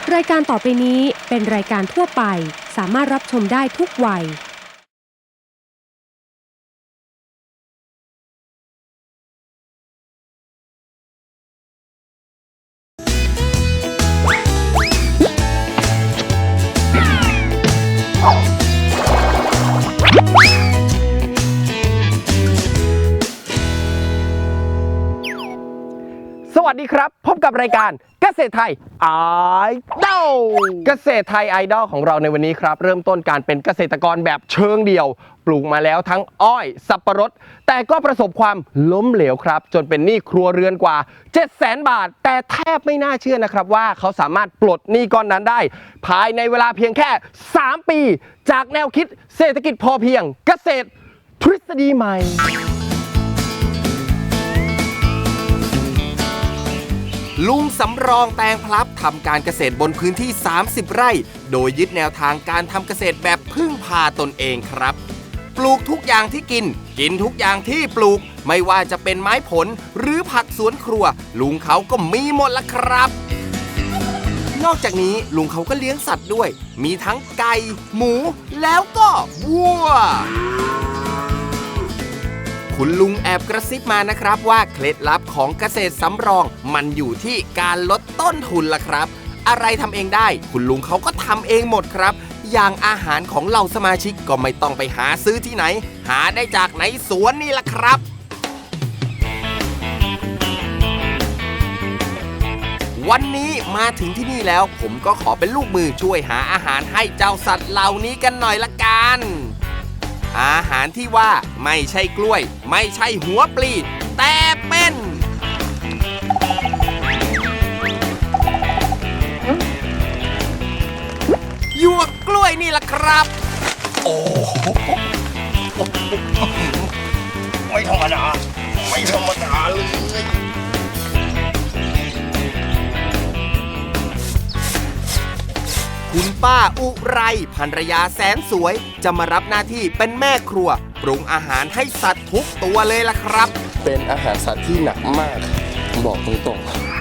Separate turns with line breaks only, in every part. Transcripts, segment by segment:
รายการต่อไปนี้เป็นรายการทั่วไปสามารถรับชมได้ทุกวัย
สวัสดีครับพบกับรายการเกษตรไทยไอดอลเกษตรไทยไอดอลของเราในวันนี้ครับเริ่มต้นการเป็นเกษตรกรแบบเชิงเดี่ยวปลูกมาแล้วทั้งอ้อยสับปะรดแต่ก็ประสบความล้มเหลวครับจนเป็นหนี้ครัวเรือนกว่า 700,000 บาทแต่แทบไม่น่าเชื่อนะครับว่าเขาสามารถปลดหนี้ก้อนนั้นได้ภายในเวลาเพียงแค่3 ปีจากแนวคิดเศรษฐกิจพอเพียงเกษตรทฤษฎีใหม่
ลุงสำรองแตงพลับทำการเกษตรบนพื้นที่30 ไร่โดยยึดแนวทางการทำเกษตรแบบพึ่งพาตนเองครับปลูกทุกอย่างที่กินทุกอย่างที่ปลูกไม่ว่าจะเป็นไม้ผลหรือผักสวนครัวลุงเขาก็มีหมดละครับนอกจากนี้ลุงเขาก็เลี้ยงสัตว์ด้วยมีทั้งไก่หมูแล้วก็วัวคุณลุงแอบกระซิบมานะครับว่าเคล็ดลับของเกษตรสำรองมันอยู่ที่การลดต้นทุนล่ะครับอะไรทำเองได้คุณลุงเขาก็ทำเองหมดครับอย่างอาหารของเหล่าสมาชิกก็ไม่ต้องไปหาซื้อที่ไหนหาได้จากในสวนนี่ล่ะครับวันนี้มาถึงที่นี่แล้วผมก็ขอเป็นลูกมือช่วยหาอาหารให้เจ้าสัตว์เหล่านี้กันหน่อยละกันอาหารที่ว่าไม่ใช่กล้วยไม่ใช่หัวปลีแต่เป็นหยวกกล้วยนี่ล่ะครับโอ้ไม่ธรรมดาไม่ธรรมดาเลยคุณป้าอุไรภรรยาแสนสวยจะมารับหน้าที่เป็นแม่ครัวปรุงอาหารให้สัตว์ทุกตัวเลยล่ะครับ
เป็นอาหารสัตว์ที่หนักมากบอกตรง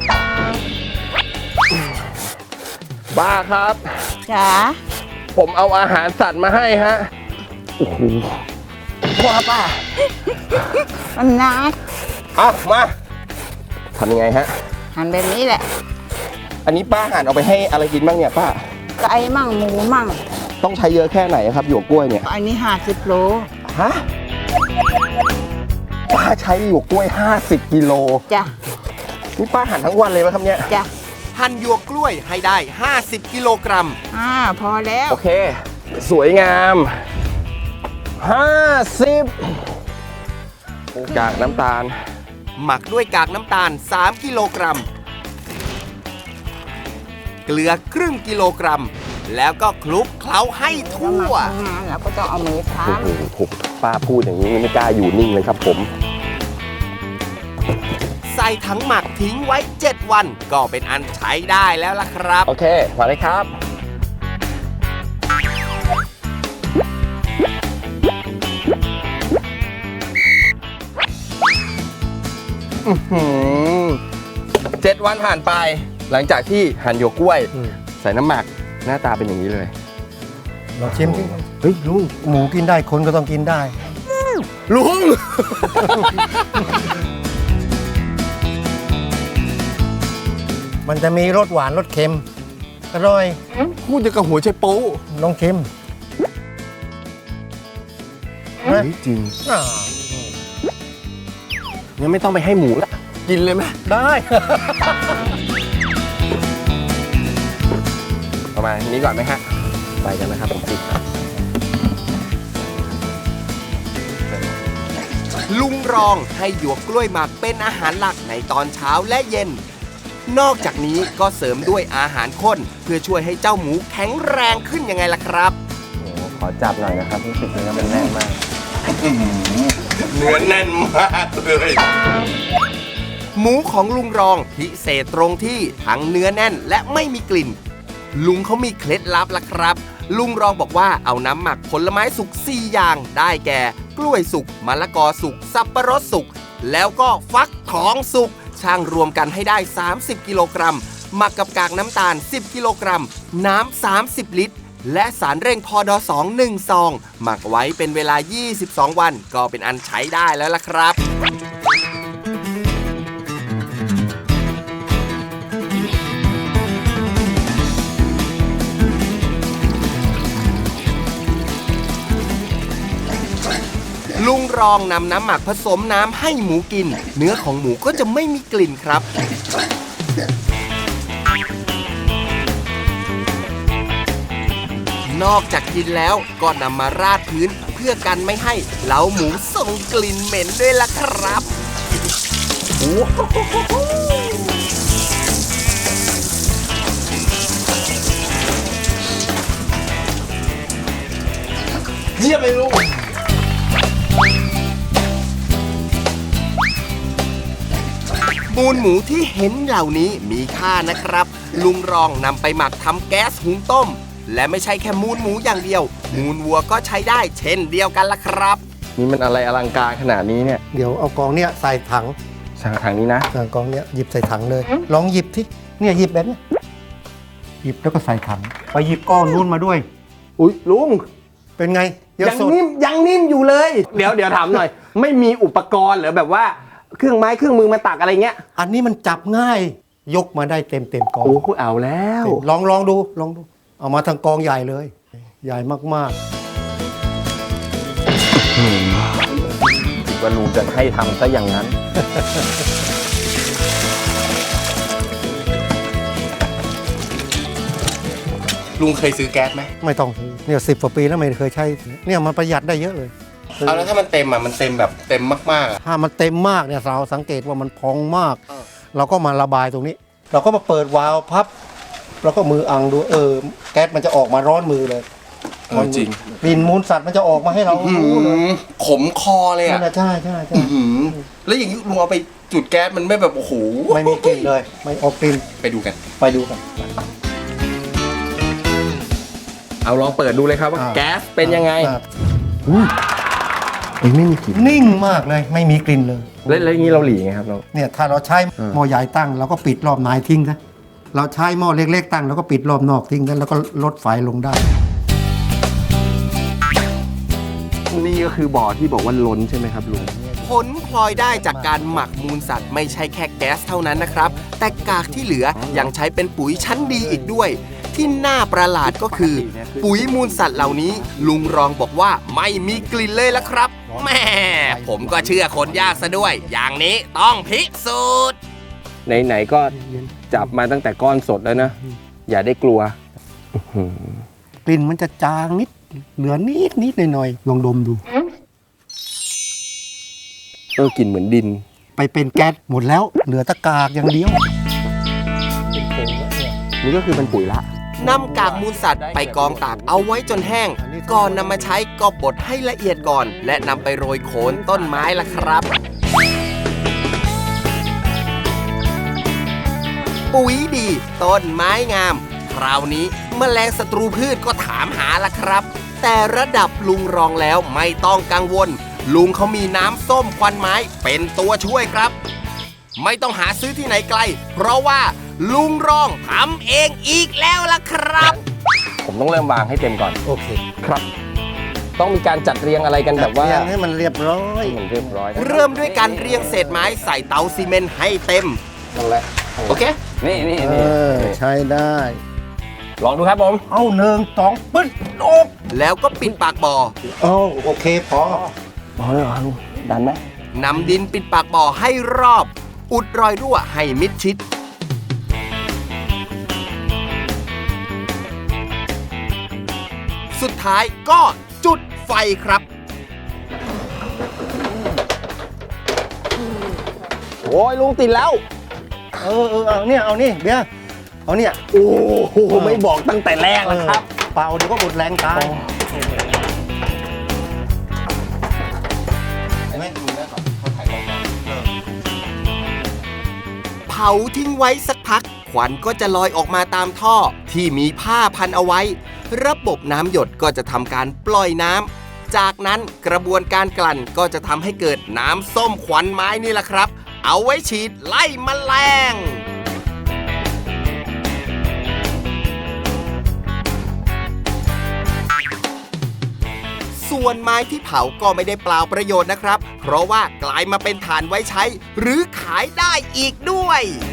ๆป้าครับ
จ๋า
ผมเอาอาหารสัตว์มาให้ฮะโอ้โหป้า
มันนัก
เอามาทำยังไงฮะ
หั่นแบบนี้แหละ
อันนี้ป้าหั่นเอาไปให้อะไรกินบ้างเนี่ยป้า
ไก่มั่งหมูมั่ง
ต้องใช้เยอะแค่ไหนครับหยวกกล้วยเนี่ย
อันนี้50 โล
ฮะป้าใช้หยวกกล้วย50 กิโล
จ้ะ
นี่ป้าหั่นทั้งวันเลยไหมครับเนี่ย
จ้ะ
หั่นหยวกกล้วยให้ได้50 กิโลกรัม
พอแล้ว
โอเคสวยงาม50กากน้ำตาล
หมักด้วยกากน้ำตาล3 กิโลกรัมเกลือครึ่งกิโลกรัมแล้วก็คลุกเคล้าให้ทั่ว
แล้วก็ต้องเอามือทำ
โอ้โหป้าพูดอย่างนี้ไม่กล้าอยู่นิ่งเลยครับผม
ใส่ถังหมักทิ้งไว้7 วันก็เป็นอันใช้ได้แล้วล่ะครับ
โอเคมาเลยครับ7 วันผ่านไปหลังจากที่หั่นหยวกกล้วยใส่น้ำหมักหน้าตาเป็นอย่างนี้เลย
ลองชิมสิเฮ้ยลุงหมูกินได้คนก็ต้องกินได้
ลุง
มันจะมีรสหวานรสเค็มอร่อย
พูดจะกับหัวใจโป๊
ลองชิม
จริงงั้นไม่ต้องไปให้หมูละกินเลยไหม
ได้
ประมาณนี้ก่อนไหมฮะไปกันนะครับผมติด
ลุงรองให้หยวกกล้วยหมักเป็นอาหารหลักในตอนเช้าและเย็นนอกจากนี้ก็เสริมด้วยอาหารข้นเพื่อช่วยให้เจ้าหมูแข็งแรงขึ้นยังไงล่ะครับ
โอ้ขอจับหน่อยนะครับรู้สึกเนื้อมันแน่นมากเนื้อแน่นมากเลย
หมูของลุงรองพิเศษตรงที่ทั้งเนื้อแน่นและไม่มีกลิ่นลุงเขามีเคล็ดลับล่ะครับลุงรองบอกว่าเอาน้ำหมักผลไม้สุก4 อย่างได้แก่กล้วยสุกมะละกอสุกสับปะรดสุกแล้วก็ฟักทองสุกช่างรวมกันให้ได้30 กิโลกรัมหมักกับกากน้ำตาล 10 กิโลกรัม น้ำ 30 ลิตร และสารเร่งพอด2 1 ซอง หมักไว้เป็นเวลา 22 วัน ก็เป็นอันใช้ได้แล้วล่ะครับ ลุงรองนำน้ำหมักผสมน้ำให้หมูกิน เนื้อของหมูก็จะไม่มีกลิ่นครับ นอกจากกินแล้วก็นำมาราดพื้นเพื่อกันไม่ให้เล้าหมูส่งกลิ่นเหม็นด้วยล่ะครับ
เยี่ยมเลยลุง
มูลหมูที่เห็นเหล่านี้มีค่านะครับ ลุงรองนำไปหมักทำแก๊สหุงต้ม และไม่ใช่แค่มูลหมูอย่างเดียว มูลวัวก็ใช้ได้เช่นเดียวกันล่ะครับ
นี่มันอะไรอลังการขนาดนี้เนี่ย
เดี๋ยวเอากองเนี้ยใส่ถัง
ทางนี้นะ
กองเนี้ยหยิบใส่ถังเลย ลองหยิบที่เนี่ยหยิบแบบเนี้ยหยิบแล้วก็ใส่ถังไปหยิบก้อนนู้นมาด้วย
อุ๊ยลุง
เป็นไง
ยัง
สด
นิ่มอยู่เลย เดี๋ยวถามหน่อย ไม่มีอุปกรณ์หรือแบบว่าเครื่องไม้เครื่องมือมาตักอะไรเงี้ย
อันนี้มันจับง่ายยกมาได้เต็มกอง
โอ้โหเอาแล้ว
ลองดูเอามาทางกองใหญ่เลย ใหญ่มาก
ว่าลุงจะให้ทำซะอย่างนั้น ลุงเคยซื้อแก๊สไหม
ๆ ไม่ต้องซื้อเนี่ย10 กว่าปีแล้วไม่เคยใช้เนี่ยมันประหยัดได้เยอะเลย
เอาแล้วถ้ามันเต็มอ่ะมันเต็มแบบเต็มมากๆอ่ะ
ถ้ามันเต็มมากเนี่ยเราสังเกตว่ามันพองมาก เราก็มาระบายตรงนี้ เราก็มาเปิดวาล์วพับแล้วก็มืออังดูแก๊สมันจะออกมาร้อนมือเลย
จริง
กลิ่นมูลสัตว์มันจะออกมาให้เรารู้เลย
ขมคอเลยอ่ะ
นั่นน่ะใช่
แล้วอย่างนี้ลุงเอาไปจุดแก๊สมันไม่แบบโอ้โห
ไม่มีกลิ่นเลย ไม่ออกกลิ่น
ไปดูกัน
ไปดูกัน
เอาลองเปิดดูเลยครับว่าแก๊สเป็นยังไง
ไม่มีกลิ่นนิ่งมากเลยไม่มีกลิ่นเลย
แล้วอย่างนี้เราหลีไงครับเรา
เนี่ยถ้าเราใช้หม้อใหญ่ตั้งเราก็ปิดรอบในทิ้งนะเราใช้หม้อเล็กๆตั้งเราก็ปิดรอบนอกทิ้งกันแล้วก็ลดไฟลงได้
นี่ก็คือบ่อที่บอกว่าล้นใช่ไหมครับลุง
ผลพลอยได้จากการหมักมูลสัตว์ไม่ใช่แค่แก๊สเท่านั้นนะครับ แต่กากที่เหลือยังใช้เป็นปุ๋ยชั้นดีอีกด้วย ที่น่าประหลาดก็คือ ปุ๋ยมูลสัตว์เหล่านี้ ลุงรองบอกว่าไม่มีกลิ่นเลยละครับแหม่ผมก็เชื่อคนยากซะด้วย อย่างนี้ต้องพิสูจน์
ไหนๆก็จับมาตั้งแต่ก้อนสดแล้วนะ อย่าได้กลัว
กลิ่นมันจะจางนิดเหลือนิดหน่อยลองดมดู
กลิ่นเหมือนดิน
ไปเป็นแก๊สหมดแล้วเหลือแตะกากอย่างเดียวเป็นผงแล้วเนี่ย
นี่ก็คือเป็นปุ๋ยละ
นำกากมูลสัตว์ไปกองตากเอาไว้จนแห้ง ก่อนนำมาใช้ก็บดให้ละเอียดก่อน และนำไปโรยโคนต้นไม้ล่ะครับ ปุ๋ยดีต้นไม้งาม คราวนี้แมลงศัตรูพืชก็ถามหาล่ะครับ แต่ระดับลุงรองแล้วไม่ต้องกังวล ลุงเขามีน้ำส้มควันไม้เป็นตัวช่วยครับ ไม่ต้องหาซื้อที่ไหนไกล เพราะว่าลุงรองทำเองอีกแล้วล่ะครับ
ผมต้องเริ่มวางให้เต็มก่อน
โอเค
ครับ ต้องมีการจัดเรียงอะไรกันแบบว่า
เรียงให้มันเรียบร้อย
ให้มันเรียบร้อย
เริ่มด้วยการเรียงเศษไม้ใส่เตาซีเมนต์ให้เต็ม
นั่นแหละ
โอเค
นี่
ใช้ได้
ลองดูครับผม
เอา1 2ปึ๊ดโอ้
แล้วก็ปิดปากบ่อ
เอาโอเคพอ
พอแล้วลุงดันไหม
นำดินปิดปากบ่อให้รอบ อุดรอยรั่วให้มิดชิด สุดท้ายก็จุดไฟครับ
โอ้ยลุงติดแล้ว
เอาเนี่ยเอานี่เบียร์เอาเนี่ย
โอ้โหไม่บอกตั้งแต่แรกแล้วครับ
เป่าเดี๋ยวก็หมดแรงตาย
เผาทิ้งไว้สักพัก ควันก็จะลอยออกมาตามท่อที่มีผ้าพันเอาไว้ ระบบน้ำหยดก็จะทำการปล่อยน้ำจากนั้นกระบวนการกลั่นก็จะทำให้เกิดน้ำส้มควันไม้นี่แหละครับ เอาไว้ฉีดไล่แมลงส่วนไม้ที่เผาก็ไม่ได้เปล่าประโยชน์นะครับ เพราะว่ากลายมาเป็นถ่านไว้ใช้ หรือขายได้อีกด้วย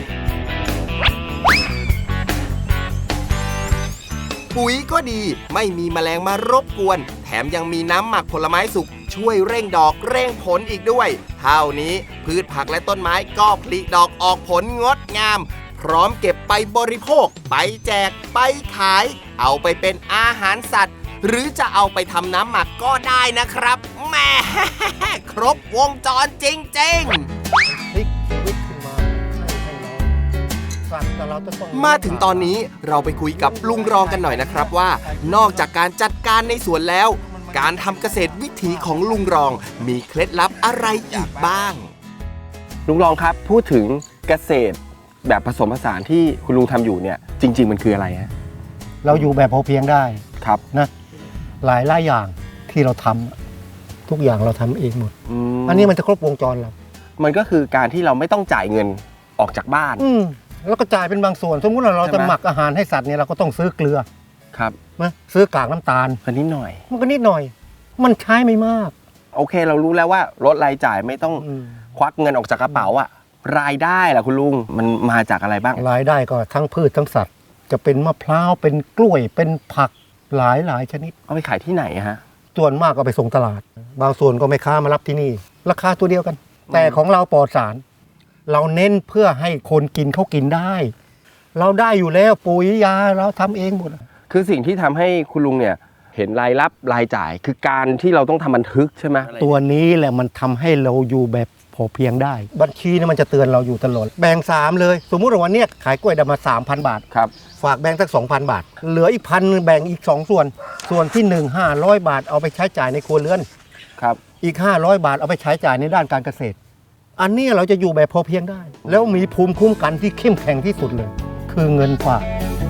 ปุ๋ยก็ดีไม่มีแมลงมารบกวนแถมยังมีน้ำหมักผลไม้สุกช่วยเร่งดอกเร่งผลอีกด้วยเท่านี้พืชผักและต้นไม้ก็ผลิดอกออกผลงดงามพร้อมเก็บไปบริโภคไปแจกไปขายเอาไปเป็นอาหารสัตว์หรือจะเอาไปทำน้ำหมักก็ได้นะครับแหม่ ครบวงจรจริงๆ
พลิกชีวิตขึ้นมาให้เราสัตว์แต่เราจะต้อง
มาถึงตอนนี้เราไปคุยกับลุงรองกันหน่อยนะครับว่า นอกจากการจัดการในสวนแล้ว การทำเกษตรวิถีของลุงรองมีเคล็ดลับอะไรอีกบ้าง
ลุงรองครับพูดถึงเกษตรแบบผสมผสานที่คุณลุงทำอยู่เนี่ยจริง ๆ มันคืออะไรฮะ
เราอยู่แบบพอเพียงได้
ครับ
นะหลายอย่างที่เราทำทุกอย่างเราทำเองหมด
ม
อันนี้มันจะครบวงจรเรา
มันก็คือการที่เราไม่ต้องจ่ายเงินออกจากบ้าน
แล้วก็จ่ายเป็นบางส่วน สมมุติว่าเรา
ใช่
จะ
ไหม
หมักอาหารให้สัตว์เนี่ยเราก็ต้องซื้อเกลือ
ครับ
นะซื้อกากน้ำตาล
อันนี้หน่อย
มันก็นิดหน่อย มันใช้ไม่มาก
โอเคเรารู้แล้วว่าลดรายจ่ายไม่ต้อง
อืม
ควักเงินออกจากกระเป๋าอะรายได้ล่ะคุณลุงมันมาจากอะไรบ้าง
รายได้ก็ทั้งพืชทั้งสัตว์ จะเป็นมะพร้าวเป็นกล้วยเป็นผักหลายชนิด
เอาไปขายที่ไหนอะฮะ
ส่วนมากก็ไปส่งตลาด บางส่วนก็ไม่ค้ามารับที่นี่ ราคาตัวเดียวกัน แต่ของเราปลอดสาร เราเน้นเพื่อให้คนกินเขากินได้ เราได้อยู่แล้วปุ๋ยยาเราทำเองหมด
คือสิ่งที่ทำให้คุณลุงเนี่ยเห็นรายรับรายจ่าย คือการที่เราต้องทำบันทึกใช่ไหม
ตัวนี้แหละมันทำให้เราอยู่แบบพอเพียงได้ บัญชีเนี่ยมันจะเตือนเราอยู่ตลอด แบ่ง 3 เลย สมมุติว่าวันเนี้ยขายกล้วยได้มา 3,000 บาท
ครับ
ฝากแบ่งสัก 2,000 บาท เหลืออีก1,000แบ่งอีก 2 ส่วน ส่วนที่ 1 500 บาทเอาไปใช้จ่ายในครัวเรือน
ครับ
อีก 500 บาทเอาไปใช้จ่ายในด้านการเกษตร อันนี้เราจะอยู่แบบพอเพียงได้ แล้วมีภูมิคุ้มกันที่เข้มแข็งที่สุดเลย คือเงินฝาก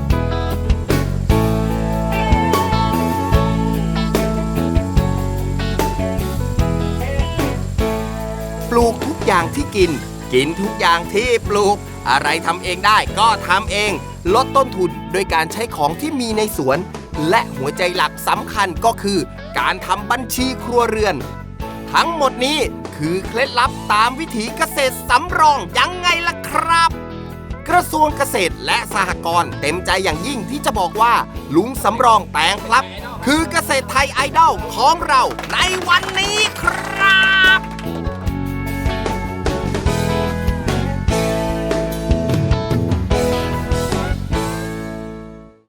ปลูกทุกอย่างที่กิน กินทุกอย่างที่ปลูก อะไรทำเองได้ก็ทำเอง ลดต้นทุนด้วยการใช้ของที่มีในสวน และหัวใจหลักสำคัญก็คือ การทำบัญชีครัวเรือน ทั้งหมดนี้คือเคล็ดลับตามวิถีเกษตรสำรองยังไงล่ะครับ กระทรวงเกษตรและสหกรณ์เต็มใจอย่างยิ่งที่จะบอกว่า ลุงสำรองแตงพลับ คือเกษตรไทยไอดอลของเราในวันนี้ครับ